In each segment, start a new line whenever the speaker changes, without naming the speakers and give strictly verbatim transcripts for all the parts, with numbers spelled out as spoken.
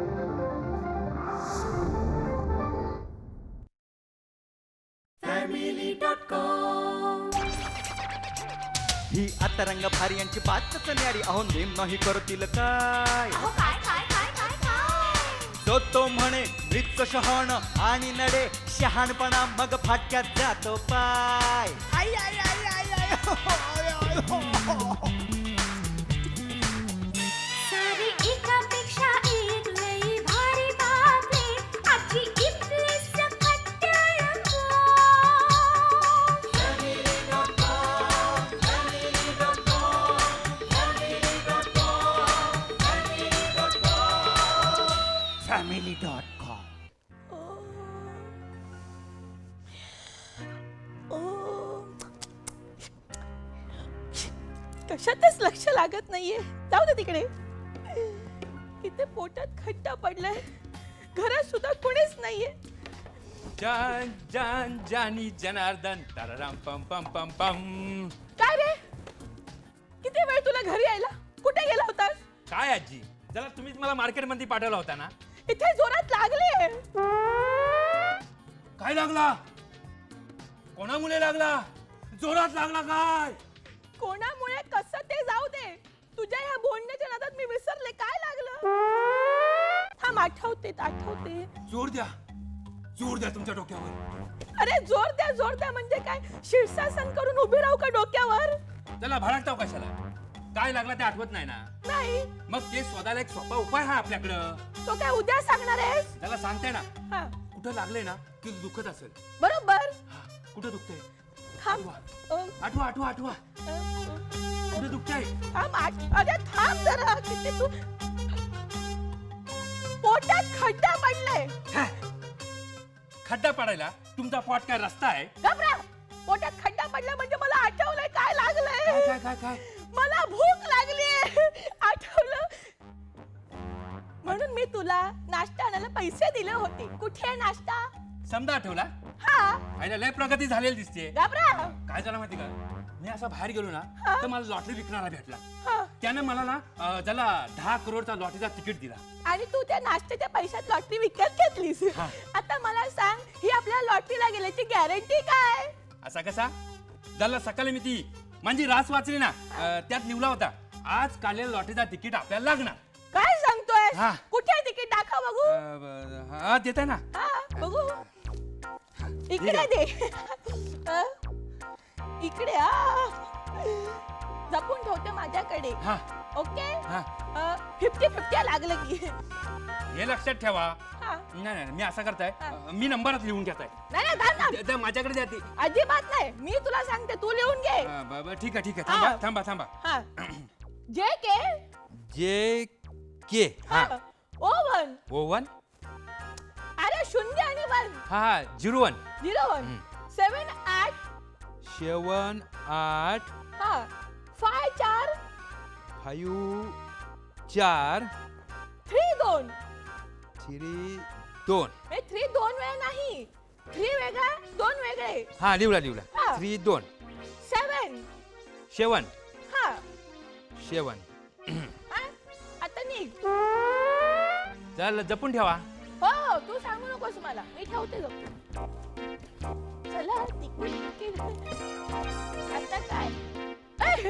ही आता रंग भारी यांची बातच न्यारी, अहो नेम नाही करतील काय. तो तो म्हणे मृत शहाण आणि नडे शहाणपणा, मग फाटक्यात जातो पाय. आई आई आई आई आई हो, आय, आय, हो, हो.
सारी एकापेक्षा एक लई भारी बातमी, आजची इथली सकट टेलिफोन.
Family dot com.
कशातच लक्ष लागत नाहीये. जाऊ दे तिकडे. इथे पोटात खड्डा पडलाय, घरात सुद्धा कोणीच नाहीये.
जान जान जानी जनार्दन तरराम पम पम पम पम.
काय रे, किती वेळ तुला घरी यायला? कुठे गेला होतास?
काय आजी, जरा तुम्हीच मला मार्केट मध्ये पाठवला होता ना.
इथे जोरात लागले.
काय लागला? कोणामुळे लागला? जोरात लागला काय?
कोणामुळे कसं ते जाऊ दे, तुझ्या ह्या बोलण्याच्या नादात मी विसरले काय लागलं. थांब, आठवते आठवते.
जोर द्या, जोर द्या तुमच्या डोक्यावर.
अरे जोर द्या जोर द्या म्हणजे काय? शीर्षासन करून उभी राहू का डोक्यावर?
त्याला भडकताव कशाला? काय लागला ते आठवत नाही ना.
नाही.
मग ते शोधायला एक सोपा उपाय हा आपल्याकडं.
तो काय उद्या सांगणार आहेस?
त्याला सांगते ना.
हा,
कुठं लागले ना की दुखत असेल.
बरोबर.
हा, कुठं दुखतंय?
थांब. अ,
आठवा आठवा आठवा.
अ,
कुठं दुखतंय?
थांब आठ- अरे थांब जरा. किती तू पोटात खड्डा पडलाय.
हा. खड्डा पडायला तुमचा पोट काय रस्ता आहे?
घबरा. पोटात खड्डा पडला म्हणजे मला आठवलंय काय
काय
लागलंय.
काय काय काय?
मला भूक लागली. आठवलं म्हणून मी तुला नाश्ता आणायला पैसे दिले होते. कुठे आहे नाश्ता?
समजा आठवला?
हा,
आईला लय प्रगती झालेली दिसते.
घबरा.
काय झालं माहिती का, मी असा बाहेर गेलो ना
हा.
तर मला लॉटरी विकणारा भेटला.
हा.
त्यानं मला ना अं, त्याला दहा करोडचा लॉटरीचा तिकीट दिला.
आणि तू त्या नाश्त्याच्या पैशात लॉटरी विकत घेतलीस.
हा.
आता मला सांग, ही आपल्या लॉटरीला गेल्याची गॅरंटी काय?
असा कसा? ज्याला सकाळी मी ती माझी रास वाचली ना, अं, त्यात लिहिला होता आज काढलेलं लॉटरीचा तिकीट आपल्याला लागणार.
काय सांगतोय?
हा.
कुठे तिकीट दाखव बघू.
अं, ब- हा देत आहे ना.
हा, बघू. इकडे दे. अ, इकडे. हा, जपून ठेवते माझ्याकडे.
हा
ओके.
हा
फिफ्टी फिफ्टी लागलं की.
हे लक्षात ठेवा.
हा.
नाही नाही मी असं करताय,
हा.
अं, मी नंबरात लिहून घेताय.
नाही नाही, थांब, थांब.
त्या- त्या माझ्याकडे द्या ती.
अजिबात नाही, मी तुला सांगते, तू लिहून घे.
अं, ब- ब- ठीक आहे ठीक आहे.
हा.
थांबा थांबा थांबा.
हा. जे के.
जे के. हा.
हा. O one.
O one.
अरे शून्य आणि वन.
हा हा zero one.
Zero one. Seven आठ.
सेवन आठ
हा. फाय चार.
फायू चार
थ्री दोन.
थ्री दोन.
हे थ्री दोन वेळ नाही. थ्री वेगळा, दोन वेगळे.
हा लिवला लिवला.
हा.
थ्री दोन.
सेवन.
सेवन.
हा.
सेवन.
हा? आता निघ.
चल जपून ठेवा.
हो, तू सांगू नकोस मला, मी ठेवते जपून. चला तिकीट. आता काय? ए!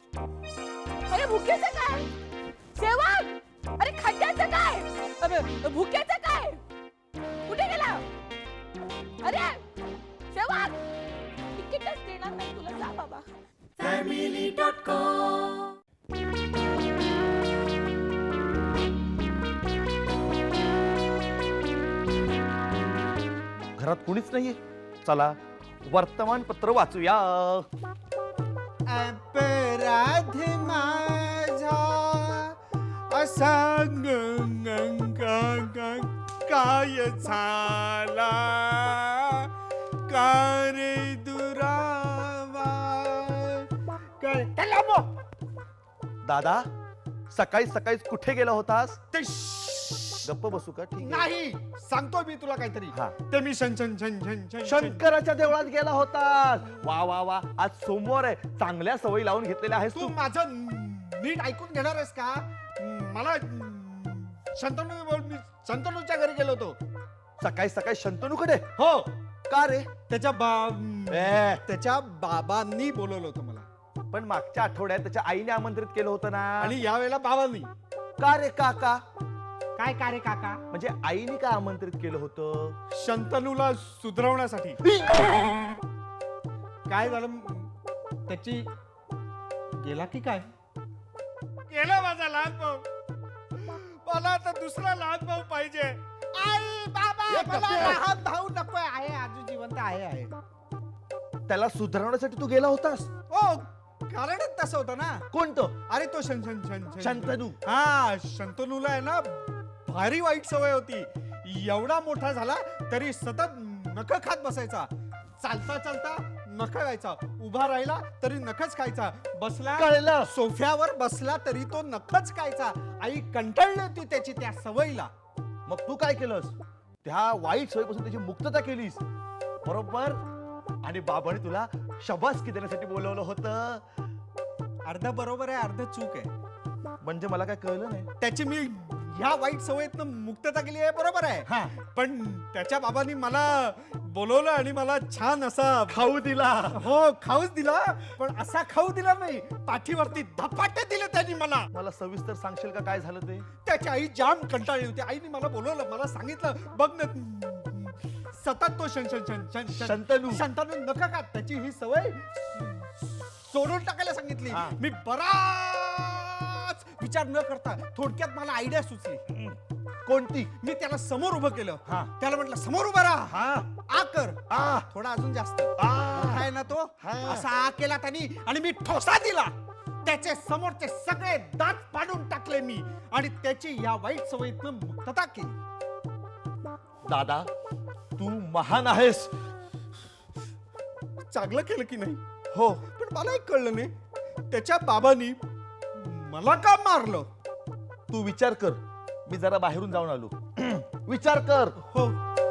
अरे भुकेचं काय? सेवक. अरे खड्ड्याचं काय? अबे, भुकेचं काय? कुठे गेला? अरे सेवक, तिकीटच देणार नाही तुला. जा बाबा.
Family dot com.
घरात कुणीच नाहीये. चला वर्तमानपत्र वाचूया.
अपराध माझा असा ग- ग- ग- ग- काय झाला का रे दुरावा काय
दादा, सकाळी सकाळी कुठे गेला होतास?
ते
गप्प बसू का? ठीक आहे.
नाही सांगतो मी तुला काहीतरी.
हा.
ते मी शन शन शन शन शन शन-
शंकराच्या देवळात गेला होतास. वा वा वा, आज सोमवार आहे. चांगल्या सवयी लावून घेतलेल्या आहेस
तू
तू.
माझं नीट ऐकून घेणार आहेस का? मला शंतनू बोल मी शंतनूच्या घरी गेलो होतो.
सकाळी सकाळी शंतनूकडे?
हो,
का रे?
त्याच्या बा
ए,
त्याच्या बाबांनी बोलवलं होतं मला.
पण मागच्या आठवड्यात त्याच्या आईने आमंत्रित केलं होतं ना.
आणि यावेळेला बाबांनी.
का रे काका?
काय का रे काका?
म्हणजे आईने का आमंत्रित केलं होतं?
शंतनूला सुधरवण्यासाठी. काय झालं त्याची गेला की काय? गेला माझा लहान भाऊ. मला आता दुसरा लहान भाऊ पाहिजे. आई बाबा
ए,
मला
कप्या.
लहान भाऊ नकोय. आहे अजून जिवंत आहे आहे.
त्याला सुधारवण्यासाठी तू गेला होतास?
हो, कारणच तसं होतं ना.
कोणतं?
अरे तो शन शन शन शन-
शंतनू.
हा, शंतनूला आहे ना भारी वाईट सवय होती. एवढा मोठा झाला तरी सतत नख खात बसायचा. चालता चालता नख खायचा, उभा राहिला तरी नखच खायचा, बसला
कळलं.
सोफ्यावर बसला तरी तो नखच खायचा. आई कंटाळली होती त्याची त्या सवयीला.
मग तू काय केलंस? त्या वाईट सवयीपासून त्याची मुक्तता केलीस, बरोबर? आणि बाबाने तुला शबासकी देण्यासाठी बोलवलं होतं.
अर्ध बरोबर आहे, अर्ध चूक आहे.
म्हणजे मला काय कळलं नाही.
त्याची मी ह्या वाईट सवयीतनं मुक्तता केली आहे, बरोबर आहे.
हा,
पण त्याच्या बाबांनी मला बोलवलं आणि मला छान असा
खाऊ दिला.
हो खाऊच दिला. पण असा खाऊ दिला नाही, पाठीवरती धपाटे दिले त्यांनी मला.
मला सविस्तर सांगशील का काय झालं ते?
त्याची आई जाम कंटाळली होती. आईने मला बोलवलं, मला सांगितलं बघ ना सतत तो शन शन शन शन शन-
शंतनू.
शंतनू नका का त्याची ही सवय सोडून टाकायला सांगितली.
हा.
मी बराच विचार न करता थोडक्यात मला आयडिया सुचली.
कोणती?
मी त्याला समोर उभं केलं.
हा.
त्याला म्हटलं समोर उभं राहा.
हा,
आ कर.
आ,
थोडा अजून जास्त
आ.
मोठा आहे ना तो.
हा.
असा आ केला त्यांनी आणि मी ठोसा दिला. त्याचे समोरचे सगळे दात पाडून टाकले मी आणि त्याची या वाईट सवयीतनं मुक्तता केली.
दादा तू महान आहेस.
चांगलं केलं की नाही?
हो,
पण मला एक कळलं नाही, त्याच्या बाबांनी मला का मारलं?
तू विचार कर. मी जरा बाहेरून जाऊन आलो. विचार कर.
हो,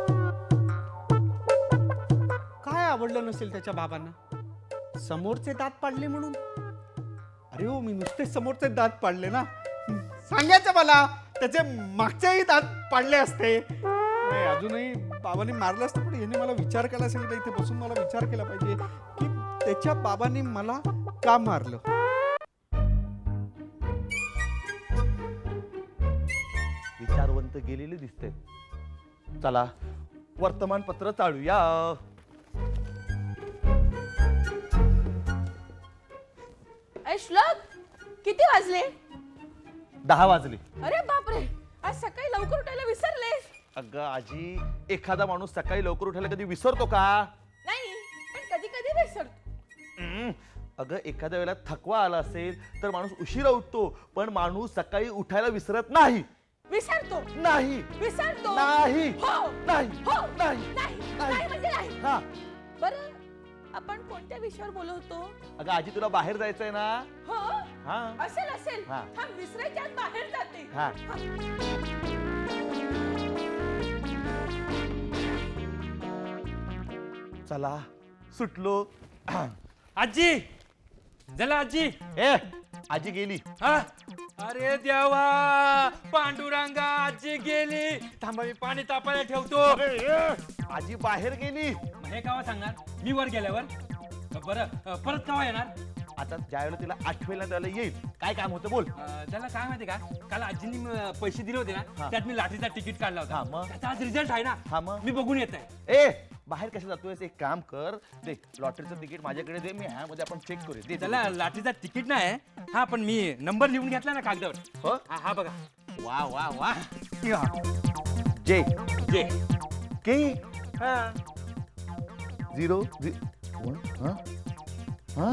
काय आवडलं नसेल त्याच्या बाबांना? समोरचे दात पाडले म्हणून? अरे हो, मी नुसते समोरचे दात पाडले ना. सांगायचं मला त्याचे मागचेही दात पाडले असते. नाही, अजूनही बाबांनी मारलं असतं. पण याने मला विचार करायला सांगितलं. इथे बसून मला विचार केला पाहिजे की त्याच्या बाबांनी मला का मारलं.
विचारवंत गेलेले दिसते. चला वर्तमानपत्र चालूया.
अरे श्लोक, किती वाजले?
दहा वाजले.
अरे बापरे, आज सकाळी लवकर उठायला विसरले.
अगं आजी, एखादा माणूस सकाळी लवकर उठायला कधी विसरतो का?
नाही, पण कधी कधी विसरतो.
हम्म. अगं एखाद्या वेळेला थकवा आला असेल तर माणूस उशिरा उठतो, पण माणूस सकाळी उठायला विसरत नाही.
विसरतो
नाही
विसरतो
नाही
हो
नाही
हो
नाही
नाही
नाही.
नाही म्हणजे नाही.
हा.
बरं, आपण कोणत्या विषयावर बोलत होतो?
अगं आजी तुला बाहेर जायचंय ना?
हो,
हा
असेल असेल.
हा.
थांब, विसरायच्या आत बाहेर जाते.
हा. चला सुटलो.
आजी झाला आजी.
ए आजी गेली.
हा अरे देवा, पांडुरंगा आजी गेली. थांबा मी पाणी तापायला ठेवतो.
अरे, ए, आजी बाहेर गेली.
मग हे केव्हा सांगणार? मी वर गेल्यावर? बरं, अ, परत केव्हा येणार?
आता ज्या वेळेला तिला आठवेल ना त्याला येईल. काय काम होतं बोल.
अ, त्याला काय माहिती का, काल आजींनी अ, पैसे दिले होते
हा.
ना, त्यात मी लाटरीचा तिकीट काढला
हा,
होता.
मग?
त्याचा आज रिझल्ट आहे
हा,
ना,
मग?
मी बघून येत आहे.
ए बाहेर कसं जातोयस? एक काम कर, दे लॉटरीचं तिकीट माझ्याकडे दे. मी ह्यामध्ये आपण चेक करू. दे, दे
त्याला लाटरीचा तिकीट नाही. हा, पण मी नंबर लिहून घेतला ना कागदावर.
हो?
हा हा बघा.
वा वा वा. जे
जे
के
हा
झिरो झि- वन, हा? हा?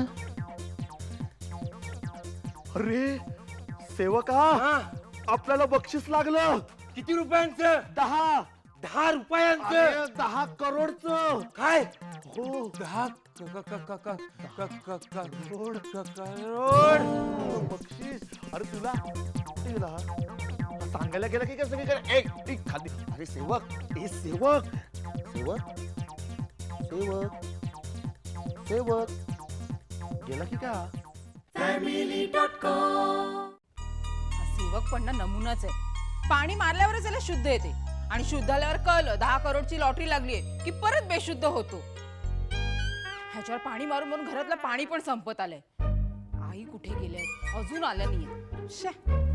अरे सेवका,
हा.
आपल्याला बक्षीस लागलं.
किती रुपयांचं?
दहा
दहा रुपयांचं.
अरे, दहा करोडचं.
काय?
हो
दहा क- क- क- क- क- क- क- करोड क- करोड.
बक्षीस. अरे तुला किती दिला हा? सांगायला गेला की काय सगळीकडे? एक एक खाली. अरे सेवक, ए सेवक सेवक सेवक सेवक गेला की का?
हा सेवक पण ना नमुनाच आहे.
पाणी मारल्यावरच याला शुद्ध येते आणि शुद्ध आल्यावर कळलं दहा करोडची लॉटरी लागलीये की परत बेशुद्ध होतो. ह्याच्यावर पाणी मारून मारून घरातलं पाणी पण संपत आलंय. आई कुठे गेले अजून आल्या नाहीये. शे.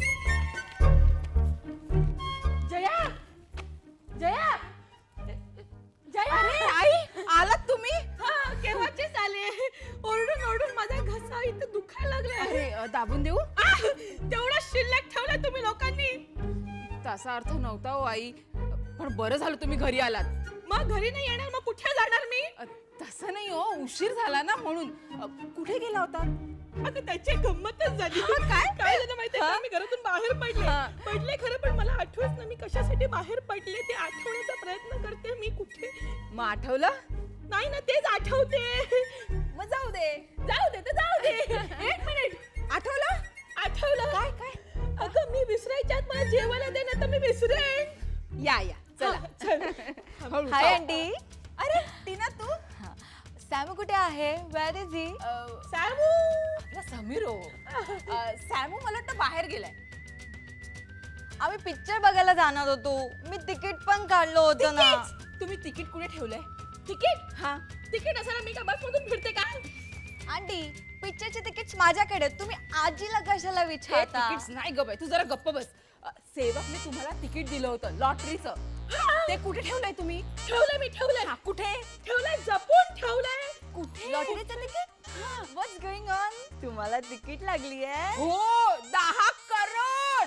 जया जया जया
अरे आई आलात तुम्ही?
हा, केव्हाचेच आले. ओरडून ओरडून माझा घसा इथं दुखायला लागलाय.
अरे अ, दाबून देऊ?
आह, तेवढा शिल्लक ठेवलाय तुम्ही लोकांनी.
तसा अर्थ नव्हता हो आई, पण बरं झालं तुम्ही घरी आलात.
मग घरी नाही येणार, मग कुठे जाणार मी?
अ, तसं नाही हो, उशीर झाला ना म्हणून. अ, कुठे गेला होता?
अगं त्याची गंमतच झाली.
काय?
काय झालं माहितीये का?
हा?
मी घरातून बाहेर पडले
हा.
पडले खरं, पण मला आठवत ना मी कशासाठी बाहेर पडले ते आठवण्याचा प्रयत्न करते मी. कुठे
मग आठवलं?
नाही ना, तेच आठवते.
मग जाऊ दे.
जाऊ दे तर जाऊ दे. एक मिनिट,
आठवलं?
आठवलं.
काय काय?
अगं मी विसरायच्या आत मला जेवायला दे ना, तर मी विसरेन.
या या चला. हळू,
हाय
जाऊ.
आंटी.
अरे टीना तू?
सॅमू कुठे आहे? Where is he?
अ,
सॅमू
आपला समीर हो. अ, सॅमू मला वाटतं बाहेर गेलाय.
आम्ही पिक्चर बघायला जाणार होतो. मी तिकीट पण काढलं होतं ना.
तिकीट? तुम्ही तिकीट कुठे ठेवलंय?
तिकीट
हा.
तिकीट असायला मी का बस मधून फिरते का?
आंटी पिक्चरचे तिकीट माझ्याकडे आहेत. तुम्ही आजीला कशाला
हे
विचारता?
तिकीट्स नाही ग बाई, तू जरा गप्प बस. अ, सेवकने तुम्हाला तिकीट दिलं होतं लॉटरीचं. ते कुठे ठेवलंय तुम्ही?
ठेवलंय मी, ठेवलंय.
हा, कुठे?
ठेवलंय, जपून ठेवलंय.
कुठे?
लॉटरीचं तिकीट? What's going on? तुम्हाला तिकीट लागली आहे?
हो, दहा करोड.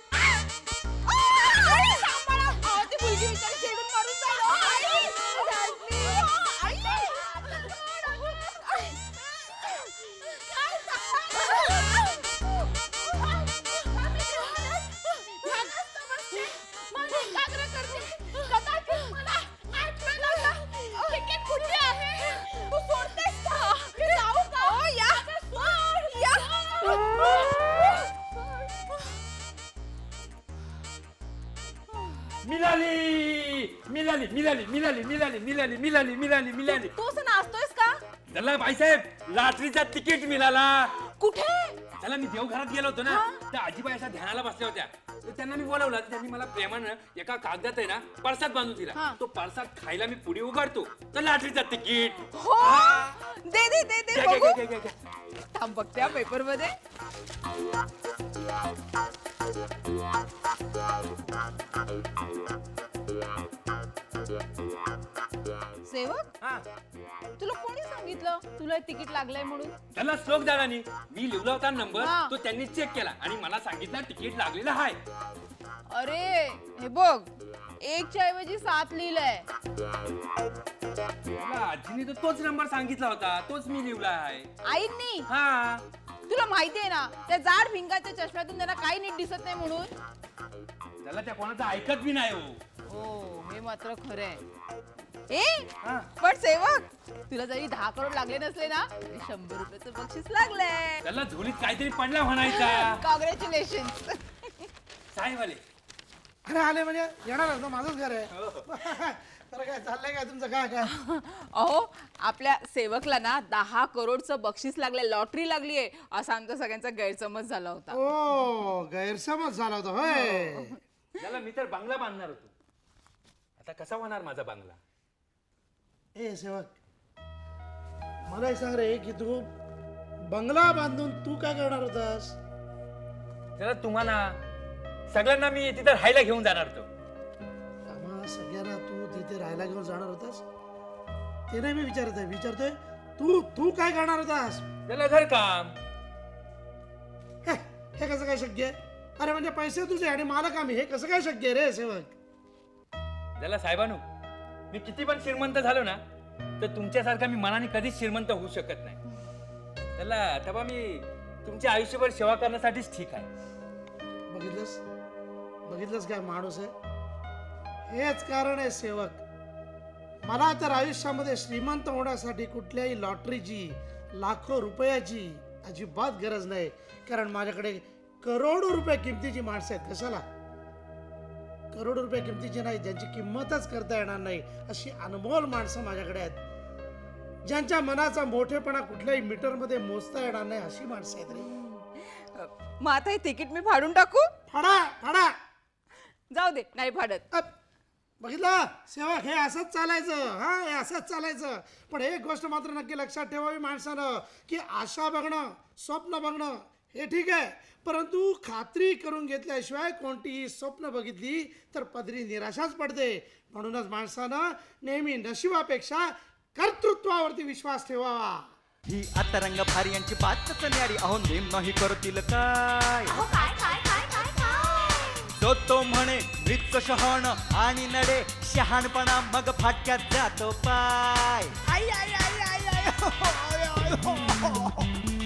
आई, सांभाळा. अहो, ती मुलगी विचार चिडून मारून जाईल. अहो, आई. अहो, आई.
मिळाली मिळाली मिळाली मिळाली मिळाली मिळाली मिळाली मिळाली मिळाली.
तू असं नाचतोयस का?
चला बाईसाहेब लाटरीचा तिकीट मिळाला.
कुठे?
चला मी देवघरात गेलो होतो ना, त्या आजीबाई अशा ध्यानाला बसल्या होत्या. तर त्यांना मी बोलावलं, तर त्यांनी मला प्रेमानं एका कागदात आहे ना पळसात बांधून दिला.
हा.
तो पळसात खायला मी पुढे उघडतो तर लाटरीचा तिकीट.
हो, दे दे दे दे
घ्या, घ्या,
बघू.
घ्या, घ्या, घ्या.
थांब बघते पेपर मध्ये. सेवक,
हा.
तुला कोणी सांगितलं तुला हे तिकीट लागलंय म्हणून?
त्याला श्लोक दादानी मी लिहिला होता नंबर,
हा.
तो त्यांनी चेक केला आणि मला सांगितलं तिकीट लागलेलं आहे.
अरे हे बघ, एकच्या ऐवजी सात लिहिलंय.
मला आजीने तर तोच नंबर सांगितला होता, तोच मी लिहिला आहे.
आईंनी?
हा.
तुला माहितीये ना त्या जाड भिंगाच्या चष्म्यातून त्यांना काही नीट दिसत नाही म्हणून.
त्याला त्या कोणाचं ऐकत बी नाही हो.
हो, हे मात्र खरंय. ए
हा.
पण सेवक, तुला जरी दहा करोड लागले नसले ना तरी शंभर रुपयाचं बक्षीस लागलंय.
त्याला झोलीत काहीतरी पडला म्हणायचा.
कॉंग्रॅच्युलेशन.
साहेबवाले
अरे आले म्हणजे येणार ना, माझंच घर आहे. तर काय चाललंय काय तुमचं? काय काय
अहो, आपल्या सेवकला ना दहा करोडचं बक्षीस लागलंय, लॉटरी लागलीये असा आमचा सगळ्यांचा गैरसमज झाला होता.
ओ गैरसमज झाला होता होय.
त्याला मी तर बंगला बांधणार होतो. आता कसा होणार माझा बंगला?
ए सेवक, मला एक सांग रे की तू बंगला बांधून तू काय करणार होतास?
त्याला तुम्हाला सगळ्यांना मी तिथे राहायला घेऊन जाणार होतो.
आम्हा सगळ्यांना तू तिथे राहायला घेऊन जाणार होतास? ते नाही मी विचारत आहे, विचारतोय तू तू काय करणार होतास?
त्याला घर काम.
हे हे कसं काय शक्य आहे? अरे म्हणजे पैसे तुझे आणि मला काम, हे कसं काय शक्य आहे रे सेवक?
त्याला साहेबानू, मी किती पण श्रीमंत झालो ना तर तुमच्यासारखा मी मनाने कधीच श्रीमंत होऊ शकत नाही. त्याला तेव्हा मी तुमच्या आयुष्यभर सेवा करण्यासाठीच ठीक आहे.
बघितलंस बघितलंस काय माणूस आहे? हेच कारण आहे सेवक, मला तर आयुष्यामध्ये श्रीमंत होण्यासाठी कुठल्याही लॉटरीची, लाखो रुपयाची अजिबात गरज नाही. कारण माझ्याकडे करोडो रुपये किमतीची माणसं आहेत. कशाला? करोडो रुपये किमतीची नाही, ज्यांची किंमतच करता येणार नाही अशी अनमोल माणसं माझ्याकडे आहेत. ज्यांच्या मनाचा मोठेपणा कुठल्याही मीटरमध्ये मोजता येणार नाही अशी माणसं आहेत रे.
मग आता हे तिकीट मी फाडून टाकू?
फाडा फाडा.
जाऊ दे नाही फाडत.
अप, बघितलं सेवक हे असंच चालायचं हा हे असंच चालायचं. पण एक गोष्ट मात्र नक्की लक्षात ठेवावी माणसानं की आशा बघणं स्वप्न बघणं हे ठीक आहे, परंतु खात्री करून घेतल्याशिवाय कोणतीही स्वप्न बघितली तर पदरी निराशाच पडते. म्हणूनच माणसानं नेहमी नशिबापेक्षा कर्तृत्वावरती विश्वास ठेवावा.
ही आता रंग भारी यांची बातच न्यारी, अहो नेम नाही करतील काय.
अहो काय काय काय काय काय
तो तो म्हणे मृत शहाण आणि नडे शहाणपणा मग फाटक्यात जातो पाय. आई आई आई आई आई हो, हो, हो, हो, हो.